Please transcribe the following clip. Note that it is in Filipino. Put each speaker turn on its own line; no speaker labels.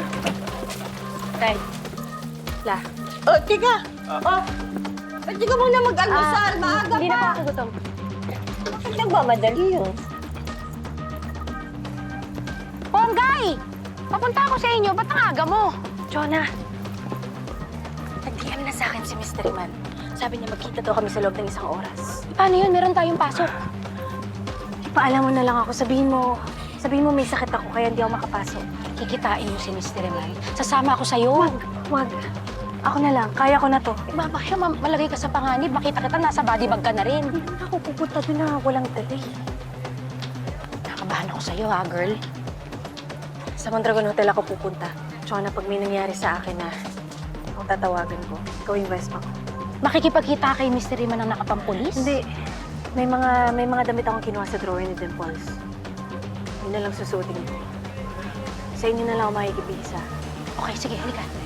Tay. La.
Oh, tika! Oh! Ba't di ka muna mag-almusal? Maaga
Hindi na po
pa!
ako gutom.
Bakit nagmamadali yun?
Ponggay! Papunta ako sa inyo. Ba't ang aga mo? Jonah, nag-DM na sa akin si Mr. Iman. Sabi niya magkita daw kami sa loob ng isang oras. Paano yun? Meron tayong pasok. Ipaalam mo na lang ako. Sabihin mo may sakit ako kaya hindi ako makapasok. Kikitain mo si Mr. Iman. Sasama ako sa'yo. Wag. Ako na lang. Kaya ko na to. Baka malagay ka sa panganib. Makita kita, nasa body bag ka na rin. Hindi na ako pupunta doon na walang delay. Nakabahan ako sa'yo, ha, girl? Sa Mondragon Hotel ako pupunta. Tsaka na pag may nangyari sa akin na kung tatawagan ko, ikaw yung best ko. Makikipagkita kay Mr. Iman na nakapampulis? Hindi. May mga damit akong kinuha sa drawer ni Dimples. Yun na lang susuotin ko. Sa inyo na lang ako makikibisa. Okay, sige, halika.